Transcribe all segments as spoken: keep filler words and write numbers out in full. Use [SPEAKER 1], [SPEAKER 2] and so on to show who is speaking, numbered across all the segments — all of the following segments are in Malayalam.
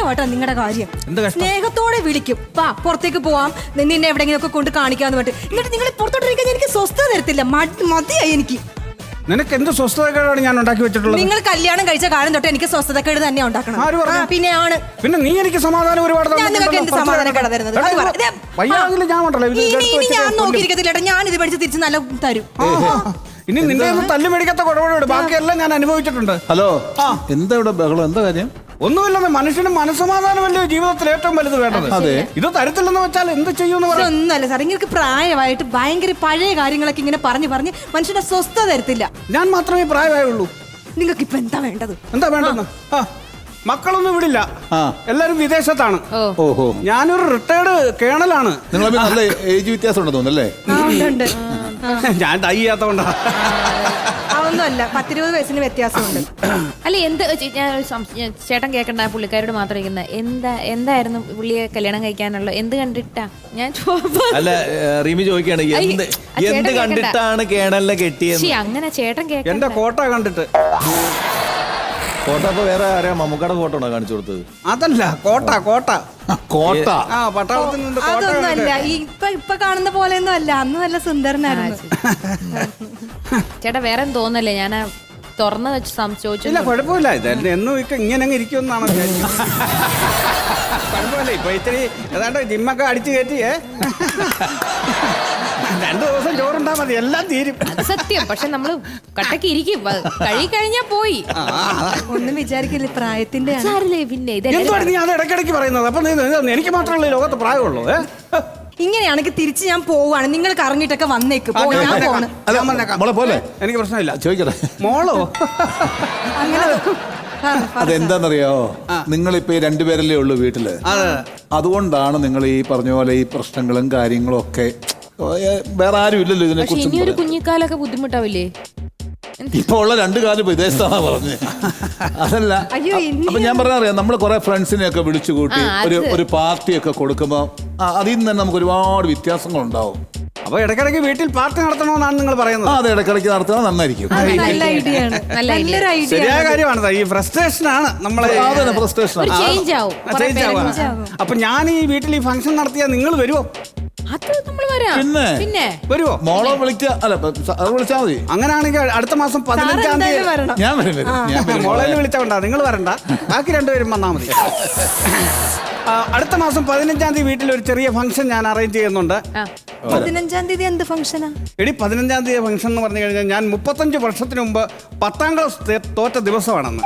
[SPEAKER 1] കഷ്ടമായിട്ടാ നിങ്ങളുടെ കാര്യം. സ്നേഹത്തോടെ വിളിക്കും, വാ പുറത്തേക്ക് പോവാം, നിന്നെ എവിടെയെങ്കിലും ഒക്കെ കൊണ്ട് കാണിക്കാന്ന് പറഞ്ഞിട്ട്. എന്നിട്ട് നിങ്ങൾ പുറത്തോട്ടിരിക്കാൻ എനിക്ക് സ്വസ്ഥത തരത്തില്ല. മതിയായി എനിക്ക്.
[SPEAKER 2] നിനക്ക് എന്ത് സ്വസ്ഥതക്കേടാണ് ഞാൻ ഉണ്ടാക്കി വെച്ചിട്ടുള്ളത്?
[SPEAKER 1] നിങ്ങൾ കല്യാണം കഴിച്ച കാലം തൊട്ട് എനിക്ക് സ്വസ്ഥതക്കേട് തന്നെ ഉണ്ടാക്കണം. പിന്നെ ആണ്
[SPEAKER 2] പിന്നെ നീ എനിക്ക് സമാധാനം ഒരുപാട്
[SPEAKER 1] നിങ്ങൾക്ക് എന്ത് സമാധാനക്കേടാ തരുന്നത്? ഇനി ഞാൻ നോക്കിയിരിക്കത്തില്ല. ഞാൻ ഇത് പഠിച്ച് തിരിച്ച് നല്ല തരും.
[SPEAKER 2] ഇനി നിന്റെ തല്ലു മേടിക്കാത്ത കുഴപ്പമില്ല, ബാക്കിയെല്ലാം ഞാൻ അനുഭവിച്ചിട്ടുണ്ട്.
[SPEAKER 3] ഹലോ, എന്താ ഇവിടെ ബഹളം? എന്താ കാര്യം?
[SPEAKER 2] ഒന്നുമില്ലെന്ന്, മനുഷ്യന് മനസ്സമാധാനമല്ലേ ജീവിതത്തിൽ ഏറ്റവും വലുത് വേണ്ടത്.
[SPEAKER 3] അതെ,
[SPEAKER 2] ഇത് തരത്തില്ലെന്ന് വെച്ചാൽ എന്ത് ചെയ്യുമെന്ന് പറയാം.
[SPEAKER 1] ഒന്നല്ല സാർ, നിങ്ങൾക്ക് പ്രായമായിട്ട് ഭയങ്കര പഴയ കാര്യങ്ങളൊക്കെ ഇങ്ങനെ പറഞ്ഞു പറഞ്ഞ് മനുഷ്യന്റെ സ്വസ്ഥത തരത്തില്ല.
[SPEAKER 2] ഞാൻ മാത്രമേ പ്രായമായുള്ളൂ.
[SPEAKER 1] നിങ്ങൾക്ക് ഇപ്പൊ എന്താ വേണ്ടത്?
[SPEAKER 2] എന്താ വേണ്ടെന്ന്? മക്കളൊന്നും വിടില്ല, എല്ലാരും വിദേശത്താണ്.
[SPEAKER 3] ഓഹോ,
[SPEAKER 2] ഞാനൊരു റിട്ടയർഡ് കേണലാണ്.
[SPEAKER 3] നിങ്ങൾ നല്ല ഏജ് വ്യത്യാസം ഉണ്ടെന്ന് തോന്നുന്നല്ലേ?
[SPEAKER 2] ഞാൻ ഡൈ ചെയ്യാത്തോണ്ടാ.
[SPEAKER 1] അതൊന്നുമല്ല, പത്തിരുപത് വയസ്സിന് വ്യത്യാസമുണ്ട്.
[SPEAKER 4] അല്ല, എന്ത് ചേട്ടൻ കേൾക്കണ്ട, പുള്ളിക്കാരോട് മാത്രം ഇരിക്കുന്ന എന്താ എന്തായിരുന്നു പുള്ളിയെ കല്യാണം കഴിക്കാനുള്ള എന്ത് കണ്ടിട്ടാ? ഞാൻ
[SPEAKER 5] അല്ല, റീമി ചോദിക്കാണ് എന്ത് എന്ത് കണ്ടിട്ടാണ് കേണലിനെ കെട്ടിയത്?
[SPEAKER 4] അങ്ങനെ ചേട്ടൻ കേൾക്കണ്ട.
[SPEAKER 2] എന്റെ കോട്ട കണ്ടിട്ട്.
[SPEAKER 5] ഫോട്ടോ അപ്പൊ വേറെ ആരാ മമ്മൂക്കയുടെ ഫോട്ടോ ഉണ്ടോ കാണിച്ചു കൊടുത്തത്?
[SPEAKER 2] അതല്ല, കോട്ട കോട്ട
[SPEAKER 3] കോട്ട.
[SPEAKER 2] ആ പട്ടാളത്തിൽ നിന്ന്.
[SPEAKER 1] അതൊന്നുമല്ല, ഇപ്പൊ ഇപ്പൊ കാണുന്ന പോലെ ഒന്നും അല്ല. അന്ന് നല്ല സുന്ദരനായിരുന്നു.
[SPEAKER 4] ചേട്ടാ വേറെ തോന്നല്ലേ, ഞാൻ തുറന്നു വെച്ച് ചോദിച്ചു.
[SPEAKER 2] ഇല്ല, കുഴപ്പമില്ല. ഇത് എന്നും ഇപ്പൊ ഇങ്ങനെ അങ്ങ് ഇരിക്കുമെന്നാണ് കുഴപ്പമില്ല. ഇപ്പൊ ഇത്തിരി ഏതാണ്ട് ജിമ്മൊക്കെ അടിച്ചു കയറ്റിയേ, രണ്ടു ദിവസം ചോറുണ്ടാ മതി, എല്ലാം തീരും.
[SPEAKER 4] സത്യം. പക്ഷെ നമ്മള് കട്ടക്ക് ഇരിക്കും, കഴി കഴിഞ്ഞാ പോയി.
[SPEAKER 1] ഒന്നും വിചാരിക്കില്ല, പ്രായത്തിന്റെ
[SPEAKER 4] പിന്നെ
[SPEAKER 2] എന്താണ് നീ അത് ഇടയ്ക്കിടയ്ക്ക് പറയുന്നത്? അപ്പൊ എനിക്ക് മാത്രമല്ല ലോകത്ത് പ്രായമുള്ളൂ.
[SPEAKER 1] ഇങ്ങനെയാണെങ്കിൽ തിരിച്ച് ഞാൻ പോവാണ്. നിങ്ങൾക്ക് അറിഞ്ഞിട്ടൊക്കെ വന്നേക്ക്.
[SPEAKER 3] മോളെ പോലെ
[SPEAKER 2] എനിക്ക് പ്രശ്നമില്ല.
[SPEAKER 3] ചോദിക്കട്ടെ,
[SPEAKER 2] മോളോ?
[SPEAKER 3] അതെന്താന്നറിയാവോ, നിങ്ങളിപ്പോ രണ്ടുപേരല്ലേ ഉള്ളൂ വീട്ടില്. അതുകൊണ്ടാണ് നിങ്ങൾ ഈ പറഞ്ഞ പോലെ ഈ പ്രശ്നങ്ങളും കാര്യങ്ങളും ഒക്കെ. വേറെ ആരും ഇല്ലല്ലോ ഇതിനെ കുറിച്ച്.
[SPEAKER 4] ഇനി ഒരു കുഞ്ഞിക്കാലൊക്കെ ബുദ്ധിമുട്ടാവില്ലേ?
[SPEAKER 3] ഇപ്പൊ ഉള്ള രണ്ടു കാലം വിദേശത്താണ് പറഞ്ഞത്. അതല്ല, അപ്പൊ ഞാൻ പറഞ്ഞറിയാം, നമ്മൾ കുറെ ഫ്രണ്ട്സിനെ ഒക്കെ വിളിച്ചു കൂട്ടി ഒരു ഒരു പാർട്ടിയൊക്കെ കൊടുക്കുമ്പോ അതിൽ നിന്ന് തന്നെ നമുക്ക് ഒരുപാട് വ്യത്യാസങ്ങൾ ഉണ്ടാവും.
[SPEAKER 2] അപ്പൊ ഇടയ്ക്കിടയ്ക്ക് വീട്ടിൽ പാർട്ടി നടത്തണമെന്നാണ് നിങ്ങൾ പറയുന്നത്?
[SPEAKER 3] അത് ഇടയ്ക്കിടയ്ക്ക് നടത്തുന്നത് നന്നായിരിക്കും.
[SPEAKER 2] ശരിയായ കാര്യമാണ്. ഈ ഫ്രസ്ട്രേഷൻ ആണ് നമ്മളെ.
[SPEAKER 3] ഫ്രസ്ട്രേഷൻ
[SPEAKER 2] അപ്പൊ ഞാൻ ഈ വീട്ടിൽ ഈ ഫംഗ്ഷൻ നടത്തിയാൽ നിങ്ങൾ വരുമോ?
[SPEAKER 3] പിന്നെ
[SPEAKER 4] പിന്നെ
[SPEAKER 2] വരുമോ?
[SPEAKER 3] മോളെ വിളിക്ക അല്ല അത് വിളിച്ചാൽ മതി.
[SPEAKER 2] അങ്ങനെയാണെങ്കിൽ അടുത്ത മാസം പതിനഞ്ചാം തീയതി
[SPEAKER 3] ഞാൻ വരും.
[SPEAKER 2] മോളെ വിളിച്ചോണ്ടാ, നിങ്ങൾ വരണ്ട, ബാക്കി രണ്ടുപേരും വന്നാൽ മതി. അടുത്ത മാസം പതിനഞ്ചാം തീയതി വീട്ടിൽ ഒരു ചെറിയ ഫംഗ്ഷൻ ഞാൻ അറേഞ്ച് ചെയ്യുന്നുണ്ട്.
[SPEAKER 1] പതിനഞ്ചാം തീയതി എന്ത് ഫംഗ്ഷനാ?
[SPEAKER 2] എടി, പതിനഞ്ചാം തീയതി ഫംഗ്ഷൻ എന്ന് പറഞ്ഞു കഴിഞ്ഞാൽ ഞാൻ മുപ്പത്തഞ്ച് വർഷത്തിന് മുമ്പ് പത്താം ക്ലാസ് തോറ്റ ദിവസമാണെന്ന്.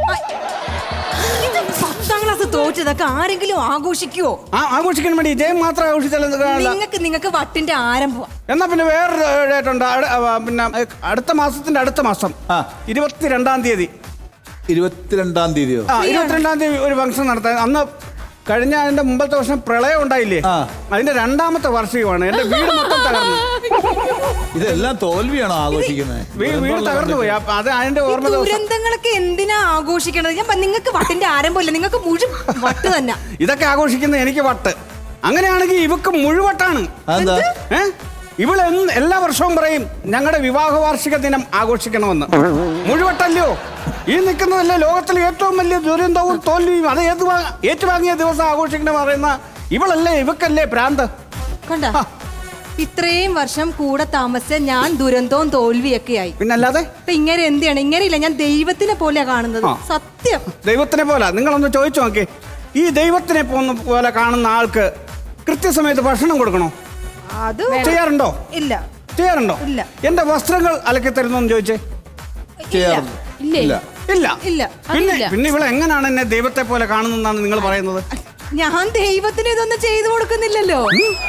[SPEAKER 1] പത്താം ക്ലാസ് തോറ്റതൊക്കെ ആരെങ്കിലും ആഘോഷിക്കുവോ?
[SPEAKER 2] ആ, ആഘോഷിക്കാൻ വേണ്ടി ജയം മാത്രം ആഘോഷിച്ചാലും
[SPEAKER 1] നിങ്ങൾക്ക് നിങ്ങൾക്ക് വട്ടിന്റെ ആരംഭം. എന്നാ
[SPEAKER 2] പിന്നെ വേറൊരു ഡേറ്റ് ഉണ്ട്. പിന്നെ അടുത്ത മാസത്തിന്റെ അടുത്ത മാസം ഇരുപത്തിരണ്ടാം തീയതി
[SPEAKER 3] ഇരുപത്തിരണ്ടാം തീയതിയോ?
[SPEAKER 2] ആ, ഇരുപത്തിരണ്ടാം തീയതി ഒരു ഫംഗ്ഷൻ നടത്താൻ. അന്ന് കഴിഞ്ഞ അതിന്റെ മുമ്പത്തെ വർഷം പ്രളയം ഉണ്ടായില്ലേ, അതിന്റെ രണ്ടാമത്തെ വർഷമാണ്. എന്റെ വീട് മൊത്തം തകർന്നു.
[SPEAKER 3] ഇതെല്ലാം തോൽവിയാണോ ആഘോഷിക്കുന്നത്?
[SPEAKER 2] വീട് തകർന്നു പോയി. അത് അതിന്റെ ഓർമ്മ.
[SPEAKER 1] ദുരന്തങ്ങളൊക്കെ എന്തിനാ ആഘോഷിക്കണത്? ഞാൻ നിങ്ങൾക്ക് വട്ടിന്റെ ആരംഭമില്ല, നിങ്ങൾക്ക് മുഴുവൻ വട്ട് തന്നെ.
[SPEAKER 2] ഇതൊക്കെ ആഘോഷിക്കുന്നത് എനിക്ക് വട്ട്. അങ്ങനെയാണെങ്കിൽ ഇവക്ക് മുഴുവട്ടാണ്. ഏഹ് ഇവള് എല്ലാ വർഷവും പറയും ഞങ്ങളുടെ വിവാഹ വാർഷിക ദിനം ആഘോഷിക്കണമെന്ന്. മുഴുവട്ടല്ലയോ ഈ നിൽക്കുന്നതല്ലേ ലോകത്തിലെ ഏറ്റവും വലിയ ദുരന്തവും തോൽവിയും. അത് ഏത് ഏറ്റുവാങ്ങിയ ദിവസം ആഘോഷിക്കണം പറയുന്ന ഇവളല്ലേ, ഇവക്കല്ലേ ഭ്രാന്ത്.
[SPEAKER 1] കണ്ട, ഇത്രയും വർഷം കൂടെ താമസിച്ച ഞാൻ ദുരന്തവും തോൽവിയൊക്കെ ആയി.
[SPEAKER 2] പിന്നല്ലാതെ
[SPEAKER 1] ഇങ്ങനെ എന്തിനാണ്? ഇങ്ങനെയില്ല, ഞാൻ ദൈവത്തിനെ പോലെയാ കാണുന്നത്. സത്യം,
[SPEAKER 2] ദൈവത്തിനെ പോലെ. നിങ്ങളൊന്ന് ചോദിച്ചു നോക്കി, ഈ ദൈവത്തിനെ പോലെ കാണുന്ന ആൾക്ക് കൃത്യസമയത്ത് ഭക്ഷണം കൊടുക്കണോ?
[SPEAKER 1] അത്
[SPEAKER 2] ചെയ്യാറുണ്ടോ?
[SPEAKER 1] ഇല്ല.
[SPEAKER 2] ചെയ്യാറുണ്ടോ?
[SPEAKER 1] ഇല്ല.
[SPEAKER 2] എന്റെ വസ്ത്രങ്ങൾ അലക്കി തരുന്നോന്ന് ചോദിച്ചേ.
[SPEAKER 1] ഇല്ല
[SPEAKER 2] ഇല്ല. പിന്നെ പിന്നെ ഇവിടെ എങ്ങനെയാണ് എന്നെ ദൈവത്തെ പോലെ കാണുന്നതെന്നാണ് നിങ്ങൾ പറയുന്നത്?
[SPEAKER 1] ഞാൻ ദൈവത്തിന് ഇതൊന്നും ചെയ്തു കൊടുക്കുന്നില്ലല്ലോ.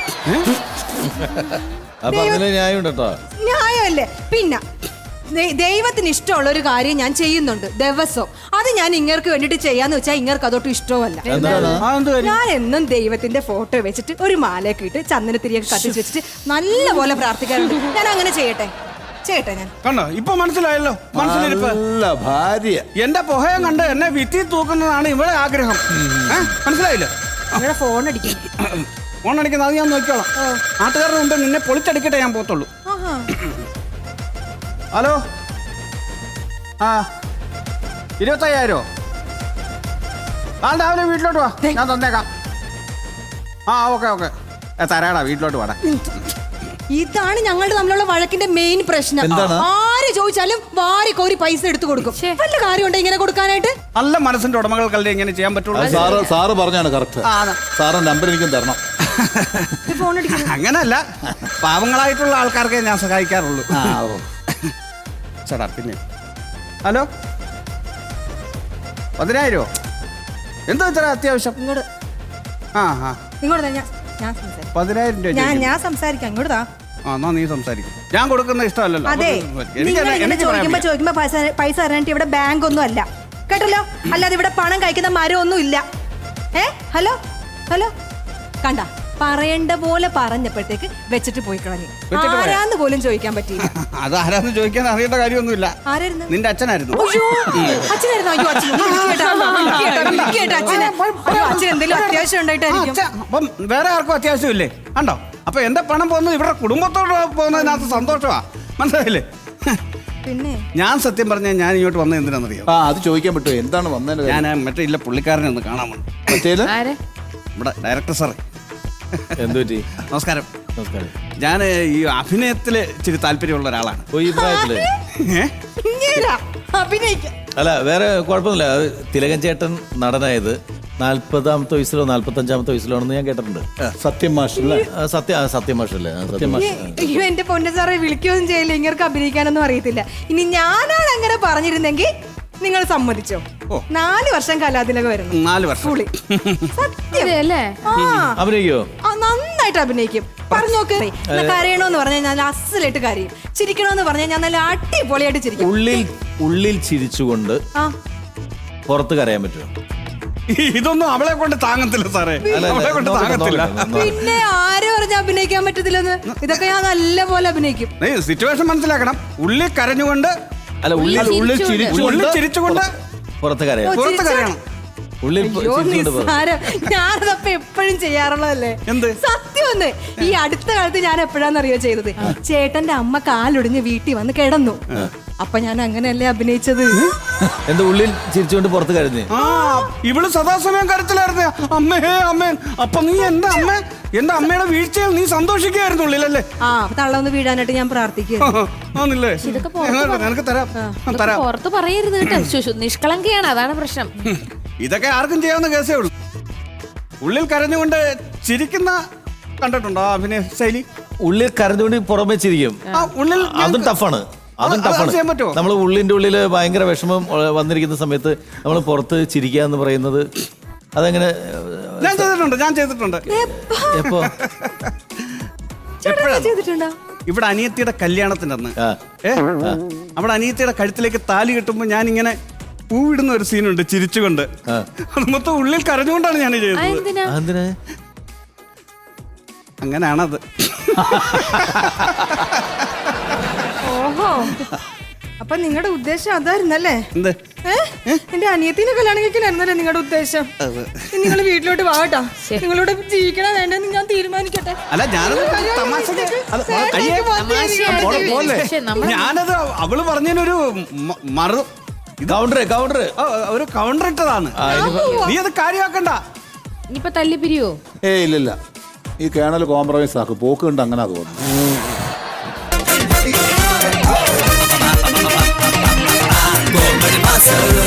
[SPEAKER 1] ന്യായമല്ലേ? പിന്നെ ദൈവത്തിന് ഇഷ്ടമുള്ള ഒരു കാര്യം ഞാൻ ചെയ്യുന്നുണ്ട് ദിവസവും. അത് ഞാൻ ഇങ്ങർക്ക് വേണ്ടിട്ട് ചെയ്യാന്ന് വെച്ചാൽ ഇങ്ങർക്ക് അതൊട്ടും ഇഷ്ടമല്ല. ഞാൻ എന്നും ദൈവത്തിന്റെ ഫോട്ടോ വെച്ചിട്ട് ഒരു മാലയൊക്കെ ഇട്ട് ചന്ദനത്തിരിയൊക്കെ കത്തിച്ച് വെച്ചിട്ട് നല്ല പോലെ പ്രാർത്ഥിക്കാറുണ്ട്. ഞാൻ അങ്ങനെ ചെയ്യട്ടെ ചെയ്യട്ടെ ഞാൻ.
[SPEAKER 2] കണ്ടോ, ഇപ്പൊ മനസ്സിലായല്ലോ. മനസ്സിലിരിപ്പ്
[SPEAKER 3] ഭാര്യ
[SPEAKER 2] എന്റെ പുഹയം കണ്ട് എന്നെ വിത്തി തൂക്കുന്നതാണ് ഇവിടെ ആഗ്രഹം. മനസ്സിലായില്ലേ?
[SPEAKER 1] അങ്ങനെ ഫോൺ അടിക്കും.
[SPEAKER 2] ഫോൺ അടിക്കുന്നത് അത് ഞാൻ നോക്കിക്കോളാം. നാട്ടുകാരുടെ മുമ്പ് നിന്നെ പൊളിച്ചടിക്കട്ടെ ഞാൻ പോത്തുള്ളൂ. ഹലോ, ആ ഇരുപത്തയ്യായിരോ? നാളെ രാവിലെ വീട്ടിലോട്ട് വാ, ഞാൻ തന്നേക്കാം. ആ ഓക്കെ ഓക്കെ തരാടാ, വീട്ടിലോട്ട് വാടാ.
[SPEAKER 1] ഇതാണ് ഞങ്ങളുടെ തമ്മിലുള്ള വഴക്കിന്റെ മെയിൻ പ്രശ്നം.
[SPEAKER 3] എന്താണ്?
[SPEAKER 1] ആര് ചോദിച്ചാലും വാരി കോരി പൈസ എടുത്തു കൊടുക്കും. വല്ല കാര്യമുണ്ടോ ഇങ്ങനെ കൊടുക്കാനായിട്ട്?
[SPEAKER 2] നല്ല മനസ്സിന്റെ ഉടമകൾക്കല്ലേ ഇങ്ങനെ ചെയ്യാൻ പറ്റുള്ളൂ.
[SPEAKER 3] അത് സാറ് സാറ് പറഞ്ഞാണ് കറക്റ്റ്. സാറ് നമ്പർ എനിക്കും തരണം.
[SPEAKER 1] ഫോൺ അടിക്കുന്നു.
[SPEAKER 2] അങ്ങനല്ല, പാവങ്ങളായിട്ടുള്ള ആൾക്കാർക്കേ ഞാൻ സഹായിക്കാറുള്ളൂ. ചേട്ടാ പിന്നെ ഹലോ, പതിനായിരമോ? എന്താ ഇത്ര അത്യാവശ്യം?
[SPEAKER 1] ഇങ്ങോട്ട്
[SPEAKER 2] ആ ആ
[SPEAKER 1] ഇങ്ങോട്ട് താ, ഞാൻ ഞാൻ സംസാരിക്കാം.
[SPEAKER 2] പതിനായിരം രൂപ
[SPEAKER 1] ഞാൻ
[SPEAKER 2] ചോദിക്കുന്നു.
[SPEAKER 1] ഞാൻ സംസാരിക്കാം. ഇങ്ങോട്ട് താ.
[SPEAKER 2] ആ എന്നാ നീ സംസാരിക്കും. ഞാൻ കൊടുക്കുന്ന ഇഷ്ടമല്ലല്ലോ.
[SPEAKER 1] അതെ,
[SPEAKER 2] അപ്പൊ എനിക്ക്
[SPEAKER 1] നിങ്ങൾ ഇങ്ങനെ
[SPEAKER 2] എനിക്ക് പറയാൻ
[SPEAKER 1] ചോദിക്കുമ്പോ
[SPEAKER 2] വയ്യ.
[SPEAKER 1] ചോദിക്കുമ്പോ പൈസ പൈസ തരാനായിട്ട് ഇവിടെ ബാങ്ക് ഒന്നും അല്ല, കേട്ടല്ലോ. അല്ലാതെ ഇവിടെ പണം കഴിക്കുന്ന മരം ഒന്നും ഇല്ല. ഏ ഹലോ ഹലോ, കണ്ട പറയേണ്ട പോലെ പറഞ്ഞപ്പോഴത്തേക്ക് വെച്ചിട്ട് പോയി കളഞ്ഞു.
[SPEAKER 2] വെച്ചിട്ട് പോയോ?
[SPEAKER 1] ആരാന്ന് പോലും ചോദിക്കാൻ പറ്റിയില്ല.
[SPEAKER 2] അത് ആരാന്ന് ചോദിക്കാൻ അറിയേണ്ട കാര്യമൊന്നുമില്ല.
[SPEAKER 1] ആരായിരുന്നു?
[SPEAKER 2] നിന്റെ അച്ഛനായിരുന്നു.
[SPEAKER 1] അയ്യോ, അച്ഛനായിരുന്നു. അയ്യോ, അച്ഛൻ ഒന്ന് വിളിക്കേട്ടാ, വിളിക്കേട്ടാ, വിളിക്കേട്ടാ അച്ഛനെ. അയ്യോ, അച്ഛൻ എന്തെങ്കിലും അത്യാവശ്യം
[SPEAKER 2] ആ,
[SPEAKER 1] ഉണ്ടായിട്ടായിരിക്കും.
[SPEAKER 2] അച്ഛാ, അപ്പം വേറെ ആർക്കും അത്യാവശ്യമില്ലേ? കണ്ടോ, അപ്പൊ എന്റെ പണം പോകുന്നത് ഇവരുടെ കുടുംബത്തോട് പോകുന്നതിനകത്ത് സന്തോഷമാ, മനസ്സിലായില്ലേ?
[SPEAKER 1] പിന്നെ
[SPEAKER 2] ഞാൻ സത്യം പറഞ്ഞാൽ ഞാൻ ഇങ്ങോട്ട് വന്നത് എന്തിനാണെന്നറിയോ?
[SPEAKER 3] ആ അത് ചോദിക്കാൻ പറ്റുമോ, എന്താണ് വന്നതിന്
[SPEAKER 2] ഞാൻ മറ്റേ ഇല്ല പുള്ളിക്കാരനെ ഒന്ന് കാണാൻ വന്നു.
[SPEAKER 3] മറ്റേത്
[SPEAKER 4] ആരെ?
[SPEAKER 2] നമ്മുടെ ഡയറക്ടർ സാറേ,
[SPEAKER 5] എന്തു പറ്റി?
[SPEAKER 2] നമസ്കാരം.
[SPEAKER 5] നമസ്കാരം.
[SPEAKER 2] ഞാൻ ഈ അഭിനയത്തില് ഇച്ചിരി താല്പര്യമുള്ള ഒരാളാണ്.
[SPEAKER 5] ഓ, ഈ പ്രായത്തില്
[SPEAKER 2] ഏ?
[SPEAKER 1] ഇങ്ങേരാ അഭിനയിക്കാം.
[SPEAKER 5] അല്ല വേറെ കുഴപ്പമൊന്നുമില്ല. അത് തിലകൻ ചേട്ടൻ നടനായത് നാല്പതാമത്തെ വയസ്സിലോ നാല്പത്തഞ്ചാമത്തെ വയസ്സിലോ ആണെന്ന് ഞാൻ കേട്ടിട്ടുണ്ട്.
[SPEAKER 3] സത്യം മാഷല്ലേ?
[SPEAKER 5] ആ, സത്യ ആ, സത്യമാഷല്ലേ? ആ, സത്യമാഷ്.
[SPEAKER 1] അയ്യോ, എന്റെ പൊന്ന സാറെ വിളിക്കുകയൊന്നും ചെയ്യില്ല, ഇങ്ങനെ അഭിനയിക്കാനൊന്നും അറിയത്തില്ല. ഇനി ഞാനാണ് അങ്ങനെ പറഞ്ഞിരുന്നെങ്കിൽ നിങ്ങൾ സമ്മതിച്ചോ? നാല് വർഷം കലാതിലകം വരുന്നു.
[SPEAKER 2] നാല് വർഷം.
[SPEAKER 1] പുളി സത്യം
[SPEAKER 4] അല്ലേ?
[SPEAKER 1] ആ
[SPEAKER 5] അഭിനയിക്കോ?
[SPEAKER 1] ആ, നന്നായിട്ട് അഭിനയിക്കും. പറഞ്ഞു നോക്ക്. കരയണോന്ന് പറഞ്ഞാൽ ഞാൻ അസലായിട്ട് കരയും, ചിരിക്കണോന്ന് പറഞ്ഞാൽ ഞാൻ നല്ല അടിപൊളിയായിട്ട് ചിരിക്കും.
[SPEAKER 5] ഉള്ളിൽ ഉള്ളിൽ ചിരിച്ചുകൊണ്ട്
[SPEAKER 1] ആ
[SPEAKER 5] പുറത്ത് കരയാൻ പറ്റുമോ?
[SPEAKER 2] ഇതൊന്നും അവളെ കൊണ്ട് താങ്ങത്തില്ല സാറേ,
[SPEAKER 5] അല്ല,
[SPEAKER 2] അവളെ കൊണ്ട്
[SPEAKER 5] നോക്കട്ടെ,
[SPEAKER 2] താങ്ങത്തില്ല.
[SPEAKER 5] നോക്കട്ടെ, നോക്കട്ടെ.
[SPEAKER 1] പിന്നെ ആര് പറഞ്ഞ അഭിനയിക്കാൻ പറ്റത്തില്ലെന്ന്? ഇതൊക്കെ ഞാൻ നല്ല പോലെ അഭിനയിക്കും.
[SPEAKER 2] നീ സിറ്റുവേഷൻ മനസ്സിലാക്കണം. ഉള്ളിൽ കരഞ്ഞുകൊണ്ട്,
[SPEAKER 5] അല്ല ഉള്ളിൽ
[SPEAKER 4] ഉള്ളിൽ
[SPEAKER 5] ഉള്ളിൽ
[SPEAKER 2] ഉള്ളിൽ
[SPEAKER 5] ചിരിച്ചുകൊണ്ട്
[SPEAKER 2] ചിരിച്ചുകൊണ്ട്
[SPEAKER 5] പുറത്ത് കരയാം.
[SPEAKER 1] ഓ,
[SPEAKER 2] പുറത്ത് കരയണം.
[SPEAKER 5] ഉള്ളിൽ
[SPEAKER 1] അയ്യോ,
[SPEAKER 5] ചിരിച്ചുകൊണ്ട് പുറത്ത്.
[SPEAKER 1] നിസ്സാരം. ഞാനതപ്പോ എപ്പോഴും ചെയ്യാറുള്ളതല്ലേ.
[SPEAKER 2] എന്ത്?
[SPEAKER 1] സത്യം ഒന്ന് ഈ അടുത്ത കാലത്ത് ഞാൻ എപ്പോഴാന്നറിയോ ചെയ്തത്? ചേട്ടന്റെ അമ്മ കാലൊടിഞ്ഞ് വീട്ടിൽ വന്ന് കിടന്നു. അപ്പൊ ഞാൻ അങ്ങനെയല്ലേ അഭിനയിച്ചത്.
[SPEAKER 5] എന്താ ഉള്ളിൽ ചിരിച്ചുകൊണ്ട് പുറത്ത് കരഞ്ഞ്?
[SPEAKER 2] ആ ഇവള് സദാസമയം കരച്ചിലായിരുന്നു. അമ്മേ അമ്മേ. അപ്പൊ നീ എന്റെ അമ്മ, എന്റെ അമ്മയുടെ വീഴ്ചയിൽ നീ സന്തോഷിക്കുകയായിരുന്നു ഉള്ളിലല്ലേ?
[SPEAKER 1] ആ തള്ളൊന്ന് വീഴാനായിട്ട് ഞാൻ പ്രാർത്ഥിക്കുന്നു.
[SPEAKER 2] ആന്നില്ലേ?
[SPEAKER 4] ഇതൊക്കെ പുറത്ത്
[SPEAKER 2] നിനക്ക് തരാം തരാം.
[SPEAKER 4] പുറത്ത് പറയരുത് കേട്ടോ. ശുശു നിഷ്കളങ്കയാണ്, അതാണ് പ്രശ്നം.
[SPEAKER 2] ഇതൊക്കെ ആർക്കും ചെയ്യാവുന്ന കേസേ ഉള്ളൂ. ഉള്ളിൽ കരഞ്ഞുകൊണ്ട് ചിരിക്കുന്ന കണ്ടിട്ടുണ്ടോ ആ അഭിനയ ശൈലി?
[SPEAKER 5] ഉള്ളിൽ കരഞ്ഞുകൊണ്ട് പുറമെ ചിരിക്കും.
[SPEAKER 2] ആ ഉള്ളിൽ
[SPEAKER 5] അതും ടഫാണ്. അതും
[SPEAKER 2] അത് അത്
[SPEAKER 5] ടഫാണ്.
[SPEAKER 2] ചെയ്യാൻ പറ്റുമോ?
[SPEAKER 5] നമ്മൾ ഉള്ളിന്റെ ഉള്ളില് ഭയങ്കര വിഷമം ഉള്ള- വന്നിരിക്കുന്ന സമയത്ത് നമ്മൾ പുറത്ത് ചിരിക്കുക എന്ന് പറയുന്നത് അതെങ്ങനെ?
[SPEAKER 2] ഞാൻ ചെയ്തിട്ടുണ്ട്, ഞാൻ ചെയ്തിട്ടുണ്ട്.
[SPEAKER 5] എപ്പോ?
[SPEAKER 2] എപ്പോഴാണ്?
[SPEAKER 1] ചെയ്തിട്ടുണ്ടോ?
[SPEAKER 2] ഇവിടെ അനിയത്തിയുടെ കല്യാണത്തിന്റെ അന്ന്
[SPEAKER 5] ആ.
[SPEAKER 2] ഏ അവിടെ അനിയത്തിയുടെ കഴുത്തിലേക്ക് താലി കെട്ടുമ്പോ ഞാൻ ഇങ്ങനെ പൂവിടുന്ന ഒരു സീനുണ്ട് ചിരിച്ചുകൊണ്ട്. അത് മൊത്തം ഉള്ളിൽ കരഞ്ഞുകൊണ്ടാണ് ഞാൻ
[SPEAKER 4] ആ,
[SPEAKER 2] ചെയ്തത്.
[SPEAKER 4] എന്തിനാ?
[SPEAKER 5] അതെന്തിനാ?
[SPEAKER 2] അങ്ങനെയാണത്.
[SPEAKER 1] ഓഹോ, അപ്പൊ നിങ്ങളുടെ ഉദ്ദേശം അതായിരുന്നല്ലേ?
[SPEAKER 2] എന്ത്?
[SPEAKER 1] ഏ? എന്റെ അനിയത്തിന്റെ കല്യാണം കഴിക്കലായിരുന്നല്ലേ നിങ്ങളുടെ ഉദ്ദേശം? നിങ്ങൾ വീട്ടിലോട്ട് വാട്ടാ. നിങ്ങളോട് ജീവിക്കണോ വേണ്ടെന്ന് ഞാൻ തീരുമാനിക്കട്ടെ.
[SPEAKER 2] അല്ല ഞാനത് തമാശക്ക് അത് കയ്യെ
[SPEAKER 4] തമാശയായിട്ട്
[SPEAKER 2] പോലെ പോലെ.
[SPEAKER 4] പക്ഷെ നമ്മൾ-
[SPEAKER 2] ഞാനത് അവള് പറഞ്ഞതിനൊരു മ- മറു
[SPEAKER 5] കൗണ്ടർ കൗണ്ടർ
[SPEAKER 2] ആ, ഒരു കൗണ്ടർ ഇട്ടതാണ്. നീ അത് കാര്യമാക്കണ്ട.
[SPEAKER 4] ഇനിയിപ്പൊ തല്ലി പിരിയോ?
[SPEAKER 3] ഏയ് ഇല്ലില്ല, ഈ കേണൽ കോംപ്രമൈസ് ആക്കും. പോക്ക് കണ്ട് അങ്ങനെ തോന്നുന്നു.
[SPEAKER 6] Comedy Master.